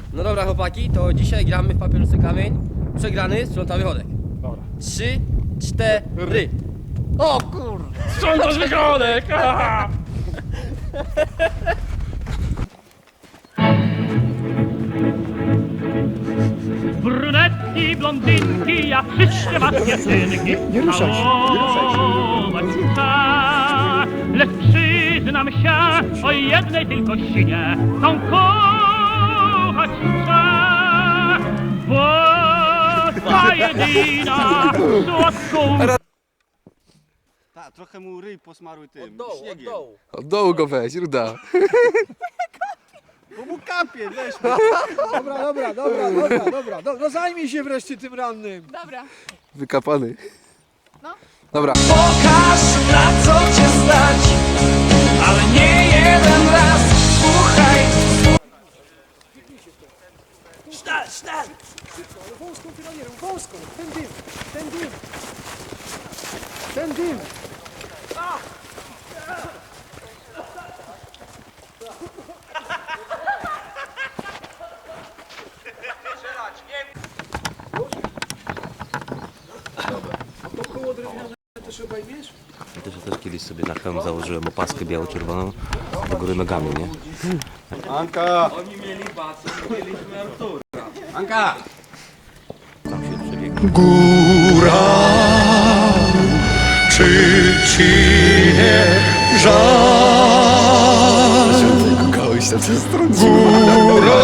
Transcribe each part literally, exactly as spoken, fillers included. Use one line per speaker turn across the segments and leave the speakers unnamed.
No dobra chłopaki, to dzisiaj gramy w papier, nożyce, kamień. Przegrany, sprząta wychodek.
Dobra.
Trzy, cztery. O kur...
Sprzątasz wychodek!
Brunetki, blondynki, ja wszystkie was dziewczynki.
Nie ruszaj się, nie ruszaj się.
Całować chcę, lecz przyznam się o jednej tylko sinie. Tą kochać chcę, bo ta jedyna słodką.
Tak, trochę mu ryj posmaruj tym
Od dołu, od
śniegiem.
dołu.
Od dołu go weź, ruda.
Bo mu kapie, weź.
Dobra, dobra, dobra, dobra, dobra. No, no zajmij się wreszcie tym rannym.
Dobra.
Wykapany.
No.
Dobra.
Pokaż na co cię stać, ale nie jeden raz. Słuchaj.
Sztal, sztal! Wąską pironierą, wąską. Ten dym, ten dym. Ten dym.
Też, też kiedyś sobie na hełm założyłem opaskę biało-czerwoną do góry nogami, nie?
Anka! Oni mieli basy, mieliśmy Artura. Anka!
Tam się przebiegł.
Góra, czy ci nie żal? Kogoś tam przez stronę. Góra,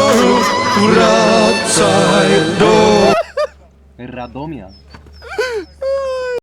wracaj do...
Radomia.